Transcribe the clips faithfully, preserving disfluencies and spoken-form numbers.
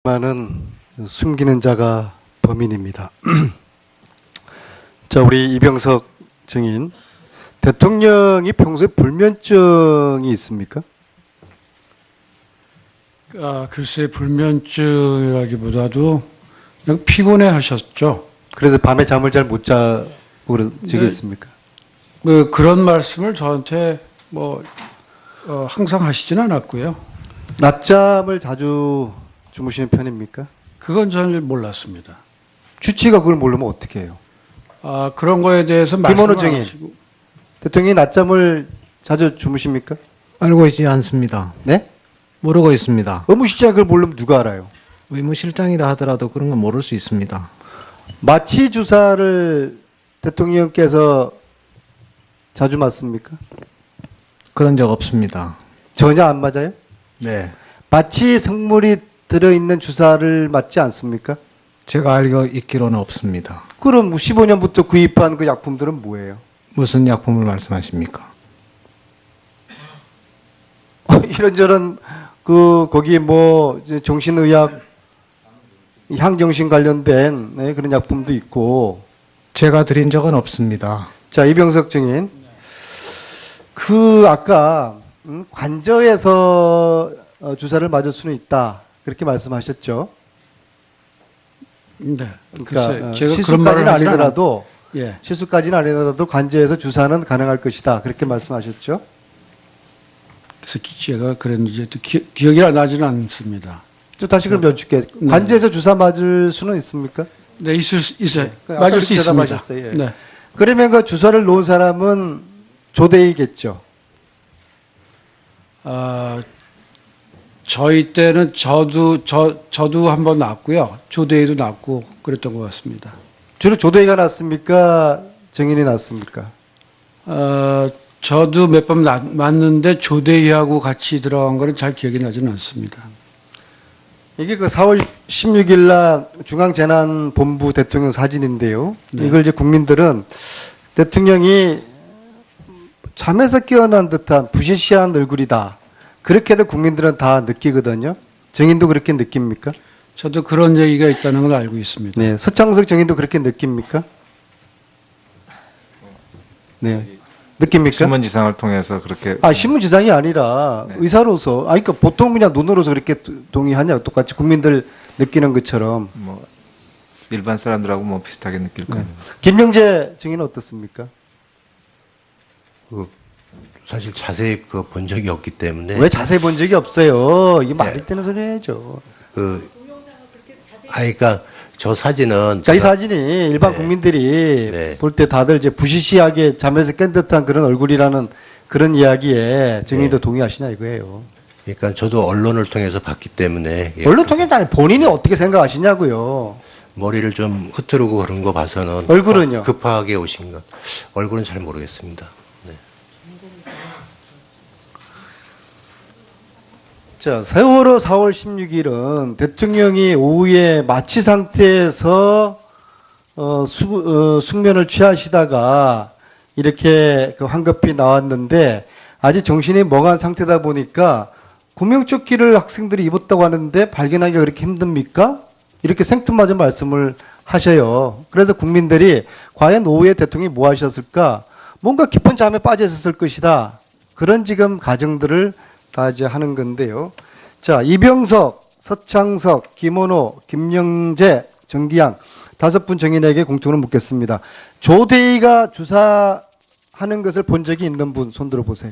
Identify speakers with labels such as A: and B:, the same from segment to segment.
A: 많은 숨기는 자가 범인입니다. 자, 우리 이병석 증인, 대통령이 평소에 불면증이 있습니까?
B: 아, 글쎄 불면증이라기보다도 그냥 피곤해 하셨죠.
A: 그래서 밤에 잠을 잘 못 자고 그러시겠습니까?
B: 뭐 그런 말씀을 저한테 뭐 어, 항상 하시진 않았고요.
A: 낮잠을 자주 주무시는 편입니까?
B: 그건 잘 몰랐습니다.
A: 주치가 그걸 모르면 어떻게 해요?
B: 아, 그런 거에 대해서
A: 김원호
B: 말씀을 안
A: 증인.
B: 하시고.
A: 대통령이 낮잠을 자주 주무십니까?
C: 알고 있지 않습니다.
A: 네?
C: 모르고 있습니다.
A: 의무실장이 그걸 모르면 누가 알아요?
C: 의무실장이라 하더라도 그런 건 모를 수 있습니다.
A: 마취 주사를 대통령께서 자주 맞습니까?
C: 그런 적 없습니다.
A: 전혀 안 맞아요?
C: 네.
A: 마취 성물이 들어있는 주사를 맞지 않습니까?
C: 제가 알고 있기로는 없습니다.
A: 그럼 십오 년부터 구입한 그 약품들은 뭐예요?
C: 무슨 약품을 말씀하십니까?
A: 이런저런 그 거기 뭐 이제 정신의학, 향정신 관련된 네, 그런 약품도 있고.
C: 제가 드린 적은 없습니다.
A: 자, 이병석 증인, 그 아까 음, 관저에서 어, 주사를 맞을 수는 있다 그렇게 말씀하셨죠?
B: 네.
A: 그러니까
B: 글쎄,
A: 어,
B: 제가 그런
A: 실수까지는
B: 말을 하진
A: 아니더라도
B: 않았- 예.
A: 실수까지는 아니더라도 관저에서 주사는 가능할 것이다 그렇게 말씀하셨죠?
B: 그래서 기- 제가 그랬는지 또 기, 기억이 나지는 않습니다.
A: 또 다시 그럼 여쭙게
B: 네.
A: 관저에서 주사 맞을 수는 있습니까?
B: 네, 있을 수 있어요.
A: 네. 아까
B: 맞을 수
A: 그렇게
B: 있습니다.
A: 대답하셨어요. 예.
B: 네.
A: 그러면 그 주사를 놓은 사람은 조대이겠죠?
B: 아, 저희 때는 저도 저 저도 한번 났고요. 조대희도 났고 그랬던 것 같습니다.
A: 주로 조대이가 났습니까? 정인이 났습니까?
B: 어, 저도 몇 번 맞는데 조대희하고 같이 들어간 거는 잘 기억이 나지는 않습니다.
A: 이게 그 사월 십육일 날 중앙재난본부 대통령 사진인데요.
B: 네.
A: 이걸 이제 국민들은 대통령이 잠에서 깨어난 듯한 부시시한 얼굴이다. 그렇게도 국민들은 다 느끼거든요. 정인도 그렇게 느낍니까?
B: 저도 그런 얘기가 있다는 걸 알고 있습니다.
A: 네. 서창석 정인도 그렇게 느낍니까? 네. 느낍니까?
D: 신문지상을 통해서 그렇게
A: 아, 신문지상이 아니라
D: 네.
A: 의사로서, 아, 그러니까 보통 그냥 눈으로서 그렇게 동의하냐, 똑같이 국민들 느끼는 것처럼.
D: 뭐 일반 사람들하고 뭐 비슷하게 느낄
A: 네.
D: 겁니다.
A: 김영재 증인은 어떻습니까?
E: 그 사실 자세히 그 본 적이 없기 때문에
A: 왜 자세히 본 적이 없어요? 이게 말이
E: 네.
A: 되는 소리 해야죠.
E: 그 아니 그러니까 저 사진은
A: 자, 이
E: 제가-
A: 사진이 일반
E: 네.
A: 국민들이
E: 네.
A: 볼 때 다들 이제 부시시하게 잠에서 깬 듯한 그런 얼굴이라는 그런 이야기에 증인도
E: 네.
A: 동의하시냐 이거예요.
E: 그러니까 저도 언론을 통해서 봤기 때문에 예,
A: 언론 통해서 아니 본인이 어떻게 생각하시냐고요.
E: 머리를 좀 흐트르고 그런 거 봐서는
A: 얼굴은요?
E: 어, 급하게 오신 것 얼굴은 잘 모르겠습니다. 네.
A: 자, 세월호 사월 십육일은 대통령이 오후에 마취 상태에서 어, 수, 어, 숙면을 취하시다가 이렇게 그 황급히 나왔는데 아직 정신이 멍한 상태다 보니까 구명조끼를 학생들이 입었다고 하는데 발견하기가 그렇게 힘듭니까? 이렇게 생뚱맞은 말씀을 하셔요. 그래서 국민들이 과연 오후에 대통령이 뭐 하셨을까? 뭔가 깊은 잠에 빠져 있었을 것이다. 그런 지금 가정들을 다 이제 하는 건데요. 자, 이병석, 서창석, 김원호, 김영재, 정기양 다섯 분 정인에게 공통으로 묻겠습니다. 조대희가 주사하는 것을 본 적이 있는 분 손 들어 보세요.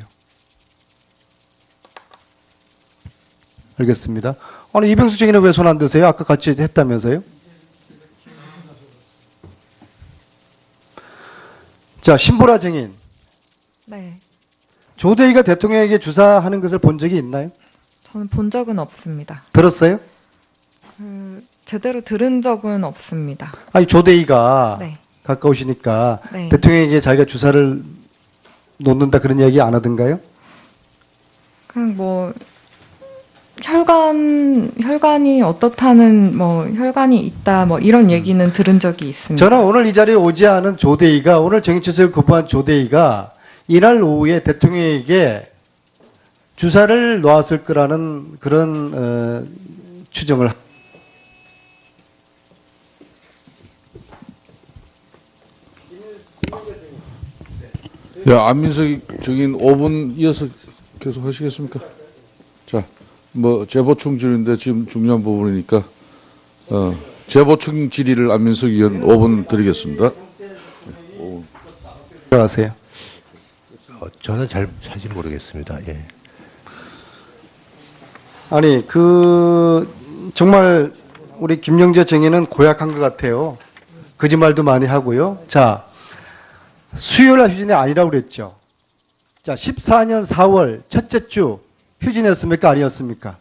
A: 알겠습니다. 아니 이병석 정인은 왜 손 안 드세요? 아까 같이 했다면서요? 자, 신보라 정인.
F: 네,
A: 조대희가 대통령에게 주사하는 것을 본 적이 있나요?
F: 저는 본 적은 없습니다.
A: 들었어요?
F: 그, 제대로 들은 적은 없습니다.
A: 아니 조대희가
F: 네,
A: 가까우시니까
F: 네.
A: 대통령에게 자기가 주사를 놓는다 그런 이야기 안 하던가요?
F: 그냥 뭐 혈관 혈관이 어떻다는 뭐 혈관이 있다 뭐 이런 얘기는 들은 적이 있습니다.
A: 저는 오늘 이 자리에 오지 않은 조대희가 오늘 정치체제를 거부한 조대희가 이날 오후에 대통령에게 주사를 놓았을 거라는 그런 어, 추정을
G: 예, 안민석 증인 오 분 이어서 계속 하시겠습니까? 자, 뭐 재보충 질의인데 지금 중요한 부분이니까 어, 재보충 질의를 안민석 의원 오 분 드리겠습니다.
A: 들어가세요.
E: 어, 저는 잘 사실 모르겠습니다. 예.
A: 아니 그 정말 우리 김영재 증인은 고약한 것 같아요. 거짓말도 많이 하고요. 자, 수요일 휴진이 아니라고 그랬죠. 자, 십사 년 사월 첫째 주 휴진이었습니까? 아니었습니까?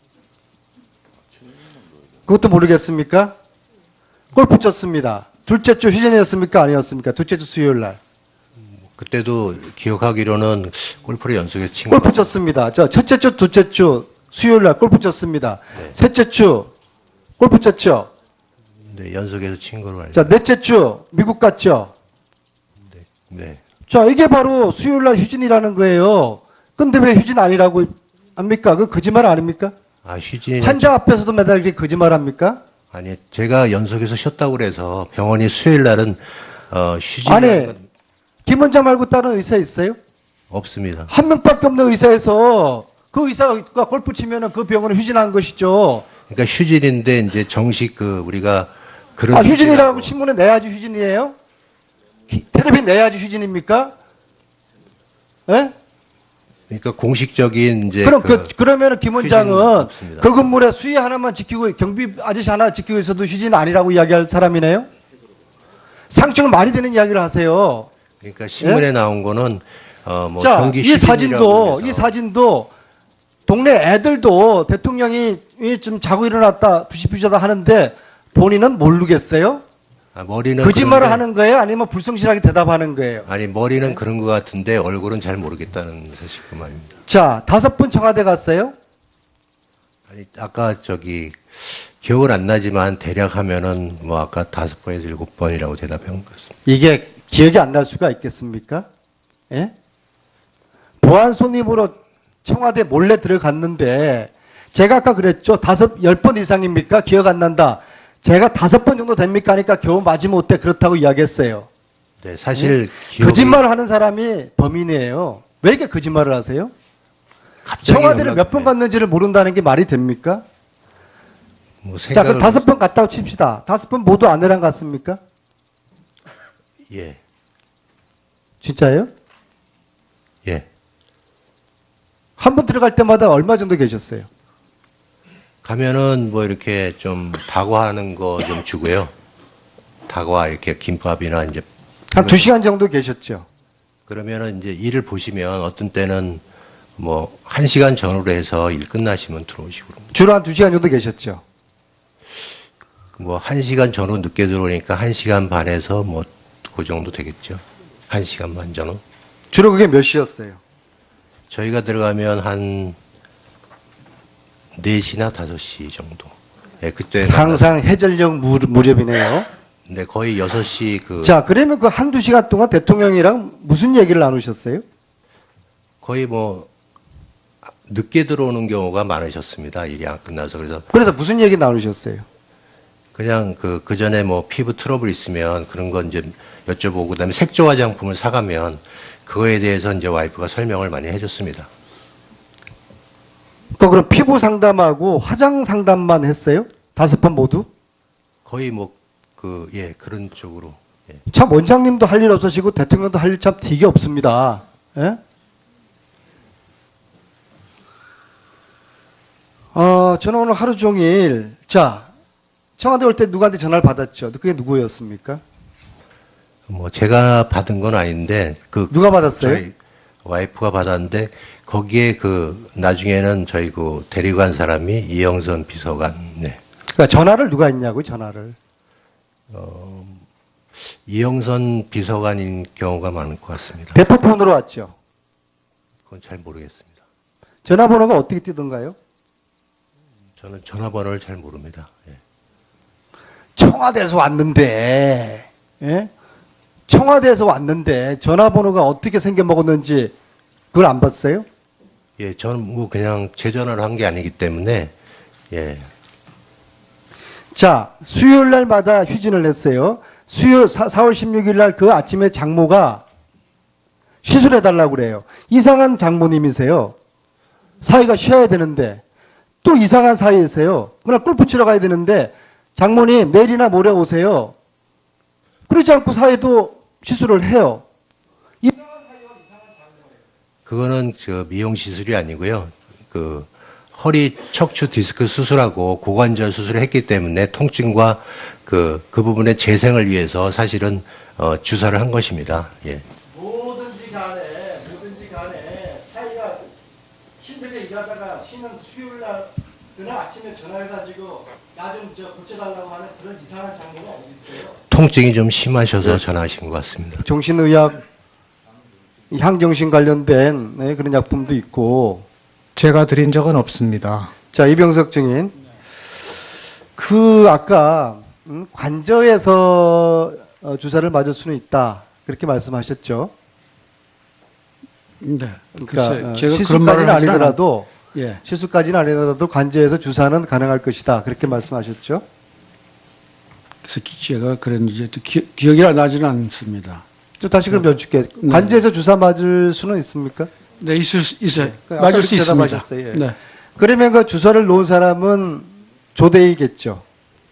A: 그것도 모르겠습니까? 골프 쳤습니다. 둘째 주 휴진이었습니까? 아니었습니까? 둘째 주 수요일 날.
E: 그때도 기억하기로는 골프를 연속해서 친
A: 골프
E: 것 같아요.
A: 쳤습니다. 저 첫째 주, 둘째 주 수요일 날 골프 쳤습니다.
E: 네.
A: 셋째 주 골프 쳤죠.
E: 네, 연속해서 친 거로 알고
A: 자, 넷째 주 미국 갔죠.
E: 네.
A: 자, 이게 바로 수요일 날 휴진이라는 거예요. 근데 왜 휴진 아니라고 합니까? 그 거짓말 아닙니까?
E: 아, 휴진이
A: 환자 앞에서도 매달 이렇게 거짓말 합니까?
E: 아니, 제가 연속해서 쉬었다고 그래서 병원이 수요일 날은 어, 휴진
A: 아니, 김 원장 말고 다른 의사 있어요?
E: 없습니다.
A: 한 명밖에 없는 의사에서 그 의사가 골프 치면은 그 병원은 휴진한 것이죠.
E: 그러니까 휴진인데 이제 정식 그 우리가 그런
A: 아, 휴진이라고
E: 휴진하고
A: 신문에 내야지 휴진이에요? 기- 텔레비 내야지 휴진입니까? 예?
E: 그러니까 공식적인 이제
A: 그럼 그,
E: 그
A: 그러면은 김 원장은
E: 휴진은 없습니다.
A: 그 건물에 수위 하나만 지키고 경비 아저씨 하나 지키고 있어도 휴진 아니라고 이야기할 사람이네요? 상식을 많이 되는 이야기를 하세요.
E: 그러니까 신문에 나온 거는 어뭐
A: 자,
E: 경기
A: 이
E: 휴진이라고
A: 사진도
E: 해서
A: 이 사진도 동네 애들도 대통령이 좀 자고 일어났다 부시부시하다 하는데 본인은 모르겠어요?
E: 아, 머리는
A: 거짓말을
E: 그런데-
A: 하는 거예요? 아니면 불성실하게 대답하는 거예요?
E: 아니 머리는 그런 것 같은데 얼굴은 잘 모르겠다는 사실 그 말입니다.
A: 자, 다섯 분 청와대 갔어요?
E: 아니 아까 저기 기억은 안 나지만 대략 하면은 뭐 아까 다섯 번에서 일곱 번이라고 대답한 것 같습니다.
A: 이게 기억이 안 날 수가 있겠습니까? 예? 보안 손님으로 청와대 몰래 들어갔는데 제가 아까 그랬죠. 다섯, 열 번 이상입니까? 기억 안 난다. 제가 다섯 번 정도 됩니까? 하니까 겨우 마지못해 그렇다고 이야기했어요.
E: 네, 사실 기억이
A: 거짓말을 하는 사람이 범인이에요. 왜 이렇게 거짓말을 하세요?
E: 갑자기
A: 청와대를
E: 연락-
A: 몇 번 갔는지를 모른다는 게 말이 됩니까?
E: 뭐
A: 자, 그
E: 생각을-
A: 다섯 번 갔다고 칩시다. 다섯 번 모두 아내랑 갔습니까?
E: 예,
A: 진짜예요?
E: 예.
A: 한 번 들어갈 때마다 얼마 정도 계셨어요?
E: 가면은 뭐 이렇게 좀 다과하는 거 좀 주고요. 다과 이렇게 김밥이나 이제
A: 한 두 시간 정도 계셨죠?
E: 그러면은 이제 일을 보시면 어떤 때는 뭐 한 시간 전후로 해서 일 끝나시면 들어오시고 그럽니다.
A: 주로 한 두 시간 정도 계셨죠?
E: 뭐 한 시간 전후 늦게 들어오니까 한 시간 반에서 뭐 그 정도 되겠죠. 한 시간 반 전후.
A: 주로 그게 몇 시였어요?
E: 저희가 들어가면 한 네 시나 다섯 시 정도. 예, 그때
A: 항상 해전력 무, 무렵이네요.
E: 네, 거의 여섯 시 그
A: 자, 그러면 그 한두 시간 동안 대통령이랑 무슨 얘기를 나누셨어요?
E: 거의 뭐 늦게 들어오는 경우가 많으셨습니다. 일이 안 끝나서. 그래서
A: 그래서 무슨 얘기 나누셨어요?
E: 그냥 그, 그 전에 뭐 피부 트러블 있으면 그런 건 이제 여쭤보고 그다음에 색조 화장품을 사가면 그거에 대해서 이제 와이프가 설명을 많이 해줬습니다.
A: 그 그럼 피부 상담하고 화장 상담만 했어요? 다섯 번 모두?
E: 거의 뭐 그, 예, 그런 쪽으로. 예.
A: 참 원장님도 할 일 없으시고 대통령도 할 일 참 되게 없습니다. 예? 어, 저는 오늘 하루 종일 자 청와대 올 때 누구한테 전화를 받았죠? 그게 누구였습니까?
E: 뭐 제가 받은 건 아닌데 그
A: 누가 받았어요?
E: 저희 와이프가 받았는데 거기에 그 나중에는 저희 그 데리고 간 사람이 이영선 비서관, 네.
A: 그러니까 전화를 누가 했냐고 전화를.
E: 이영선 비서관인 경우가 많을 것 같습니다.
A: 대포폰으로 왔죠.
E: 그건 잘 모르겠습니다.
A: 전화번호가 어떻게 뜨던가요?
E: 저는 전화번호를 잘 모릅니다. 예.
A: 청와대에서 왔는데, 예? 청와대에서 왔는데 전화번호가 어떻게 생겨 먹었는지 그걸 안 봤어요?
E: 예, 저는 뭐 그냥 제 전화를 한 게 아니기 때문에 예,
A: 자, 수요일 날마다 휴진을 했어요. 수요 사, 사월 십육 일 날 그 아침에 장모가 시술해달라고 그래요. 이상한 장모님이세요. 사위가 쉬어야 되는데 또 이상한 사위이세요. 그날 골프 치러 가야 되는데 장모님 내일이나 모레 오세요. 그러지 않고 사위도 시술을 해요.
E: 그거는 저 미용 시술이 아니고요. 그 허리 척추 디스크 수술하고 고관절 수술을 했기 때문에 통증과 그, 그 부분의 재생을 위해서 사실은 어, 주사를 한 것입니다. 예.
A: 뭐든지 간에 뭐든지 간에 사이가 힘들게 일하다가 쉬는 수요일 날이나 아침에 전화해가지고 나 좀 저 고쳐달라고 하는 그런 이상한 장면이 어디 있어요?
E: 통증이 좀 심하셔서 전화하신 것 같습니다.
A: 정신의학, 향정신 관련된 네, 그런 약품도 있고.
C: 제가 드린 적은 없습니다.
A: 자, 이병석 증인. 그 아까 음, 관저에서 어, 주사를 맞을 수는 있다. 그렇게 말씀하셨죠.
B: 네.
A: 그러니까
B: 글쎄,
A: 어,
B: 제가 그런
A: 시술까지는
B: 말을 하진
A: 아니더라도
B: 않- 예.
A: 시술까지는 아니더라도 관저에서 주사는 가능할 것이다. 그렇게 말씀하셨죠.
B: 그래서 기- 제가 그랬는지 또 기, 기억이 나지는 않습니다.
A: 또 다시 그럼 여쭙게.
B: 네.
A: 관저에서 주사 맞을 수는 있습니까?
B: 네, 있을 수, 있어요.
A: 그 아까
B: 맞을 수
A: 그렇게
B: 있습니다.
A: 대답하셨어요. 예.
B: 네.
A: 그러면 그 주사를 놓은 사람은 조대이겠죠.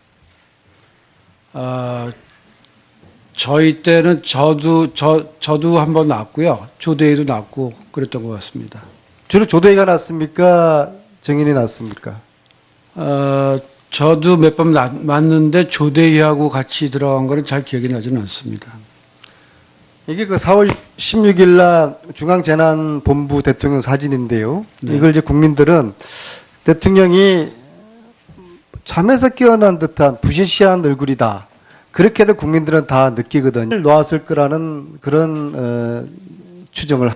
B: 아, 저희 때는 저도 저 저도 한 번 났고요. 조대희도 났고 그랬던 것 같습니다.
A: 주로 조대이가 났습니까? 정인이 났습니까?
B: 어, 저도 몇 번 맞는데 조대희하고 같이 들어간 거는 잘 기억이 나지는 않습니다.
A: 이게 그 사월 십육일 날 중앙재난본부 대통령 사진인데요.
B: 네.
A: 이걸 이제 국민들은 대통령이 잠에서 깨어난 듯한 부시시한 얼굴이다. 그렇게도 국민들은 다 느끼거든요. 놓았을 거라는 그런 어, 추정을.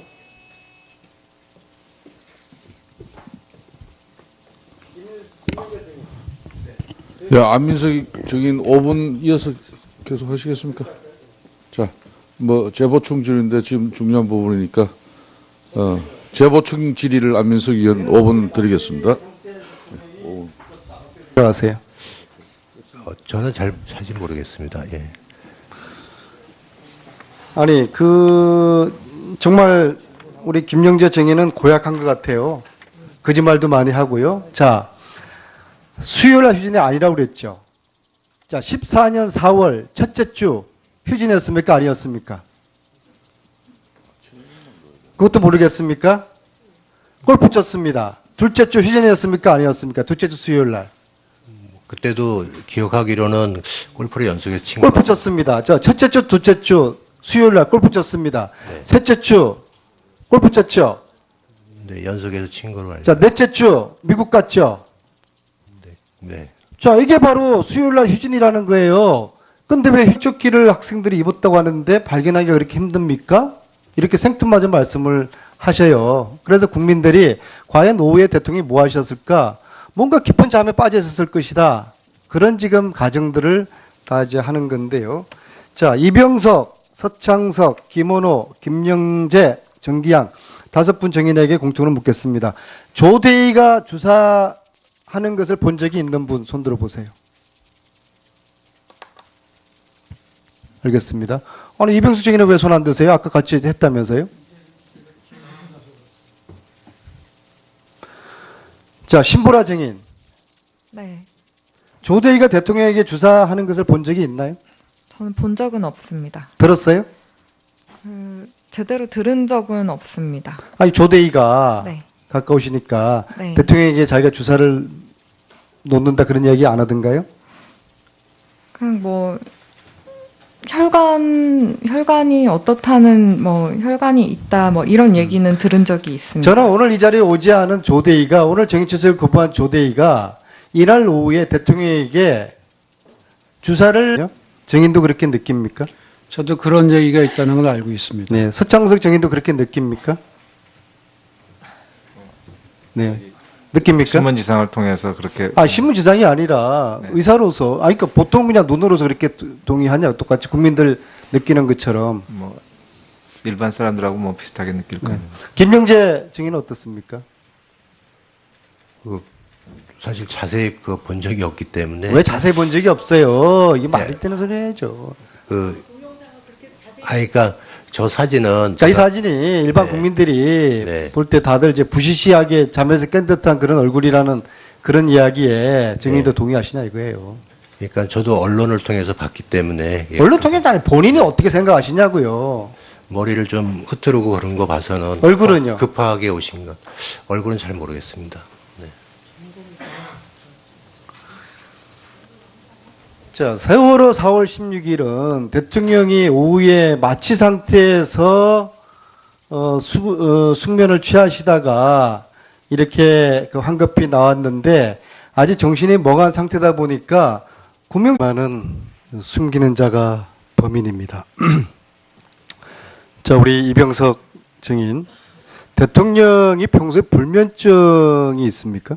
G: 예, 안민석 증인 오 분 이어서 계속 하시겠습니까? 자, 뭐 재보충 질의인데 지금 중요한 부분이니까 어, 재보충 질의를 안민석 의원 오 분 드리겠습니다.
A: 들어가세요.
E: 어, 저는 잘 사실 모르겠습니다. 예.
A: 아니 그 정말 우리 김영재 정의는 고약한 것 같아요. 거짓말도 많이 하고요. 자, 수요일 휴진이 아니라고 그랬죠. 자, 십사 년 사월 첫째 주 휴진이었습니까? 아니었습니까? 그것도 모르겠습니까? 골프 쳤습니다. 둘째 주 휴진이었습니까? 아니었습니까? 둘째 주 수요일 날.
E: 그때도 기억하기로는 골프를 연속해서 친
A: 골프
E: 것 같아요.
A: 쳤습니다. 자, 첫째 주, 둘째 주 수요일 날 골프 쳤습니다.
E: 네.
A: 셋째 주 골프 쳤죠.
E: 네, 연속해서 친 걸로 알고
A: 자, 넷째 주 미국 갔죠.
E: 네.
A: 자, 이게 바로 수요일 날 휴진이라는 거예요. 근데 왜 휴적기를 학생들이 입었다고 하는데 발견하기가 그렇게 힘듭니까? 이렇게 생뚱맞은 말씀을 하셔요. 그래서 국민들이 과연 오후에 대통령이 뭐 하셨을까? 뭔가 깊은 잠에 빠져 있었을 것이다. 그런 지금 가정들을 다 이제 하는 건데요. 자, 이병석, 서창석, 김원호, 김영재, 정기양 다섯 분 정인에게 공통으로 묻겠습니다. 조대희가 주사하는 것을 본 적이 있는 분 손들어 보세요. 알겠습니다. 아니 이병수 정인은 왜 손 안 드세요? 아까 같이 했다면서요? 자, 신보라 정인.
F: 네.
A: 조대희가 대통령에게 주사하는 것을 본 적이 있나요?
F: 저는 본 적은 없습니다.
A: 들었어요?
F: 그, 제대로 들은 적은 없습니다.
A: 아니 조대희가
F: 네.
A: 가까우시니까
F: 네.
A: 대통령에게 자기가 주사를 놓는다 그런 이야기 안 하던가요?
F: 그냥 뭐 혈관 혈관이 어떻다는 뭐 혈관이 있다 뭐 이런 얘기는 들은 적이 있습니다.
A: 저는 오늘 이 자리에 오지 않은 조대희가 오늘 정치체제를 거부한 조대희가 이날 오후에 대통령에게 주사를 정인도 그렇게 느낍니까?
B: 저도 그런 얘기가 있다는 걸 알고 있습니다.
A: 네, 서창석 정인도 그렇게 느낍니까? 네, 느낍니까?
D: 신문지상을 통해서 그렇게
A: 아 신문지상이 아니라
D: 네.
A: 의사로서, 아 그러니까 보통 그냥 눈으로서 그렇게 동의하냐? 똑같이 국민들 느끼는 것처럼.
D: 뭐 일반 사람들하고 뭐 비슷하게 느낄 거예요.
A: 김영재 증인은 어떻습니까?
E: 그 사실 자세히 그 본 적이 없기 때문에
A: 왜 자세히 본 적이 없어요? 이게 말이
E: 네.
A: 되는 소리 해야죠.
E: 그 아니 그러니까 저 사진은
A: 그러니까 이
E: 제가-
A: 사진이 일반
E: 네.
A: 국민들이
E: 네.
A: 볼 때 다들 이제 부시시하게 잠에서 깬 듯한 그런 얼굴이라는 그런 이야기에 증인도
E: 네.
A: 동의하시냐 이거예요.
E: 그러니까 저도 언론을 통해서 봤기 때문에 예,
A: 언론 통해서 아니 본인이 어떻게 생각하시냐고요.
E: 머리를 좀 흐트르고 그런 거 봐서는
A: 얼굴은요?
E: 급하게 오신 것. 얼굴은 잘 모르겠습니다. 네.
A: 자, 세월호 사월 십육일은 대통령이 오후에 마취 상태에서 어, 수, 어, 숙면을 취하시다가 이렇게 그 황급히 나왔는데 아직 정신이 멍한 상태다 보니까 구명만은 숨기는 자가 범인입니다. 자, 우리 이병석 증인, 대통령이 평소에 불면증이 있습니까?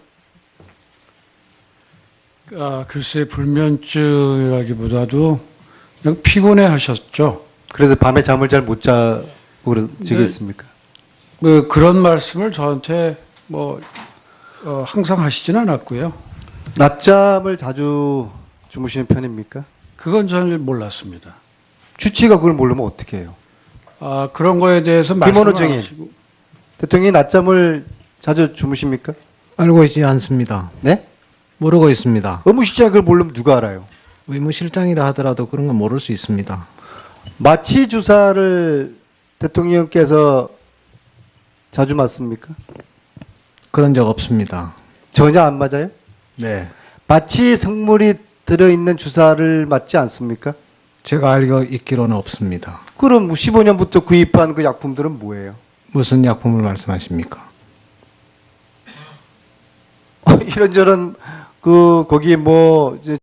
B: 아, 글쎄 불면증이라기보다도 그냥 피곤해 하셨죠.
A: 그래서 밤에 잠을 잘 못 자고 그러시겠습니까?
B: 뭐 그런 말씀을 저한테 뭐 어, 항상 하시진 않았고요.
A: 낮잠을 자주 주무시는 편입니까?
B: 그건 저는 몰랐습니다.
A: 주치가 그걸 모르면 어떻게 해요?
B: 아, 그런 거에 대해서
A: 김원호
B: 말씀을 안
A: 증인.
B: 하시고.
A: 대통령이 낮잠을 자주 주무십니까?
C: 알고 있지 않습니다.
A: 네?
C: 모르고 있습니다.
A: 의무실장이 그걸 모르면 누가 알아요?
C: 의무실장이라 하더라도 그런 건 모를 수 있습니다.
A: 마취 주사를 대통령께서 자주 맞습니까?
C: 그런 적 없습니다.
A: 전혀 안 맞아요?
C: 네.
A: 마취 성물이 들어있는 주사를 맞지 않습니까?
C: 제가 알고 있기로는 없습니다.
A: 그럼 십오 년부터 구입한 그 약품들은 뭐예요?
C: 무슨 약품을 말씀하십니까?
A: 이런저런 그 거기 뭐 이제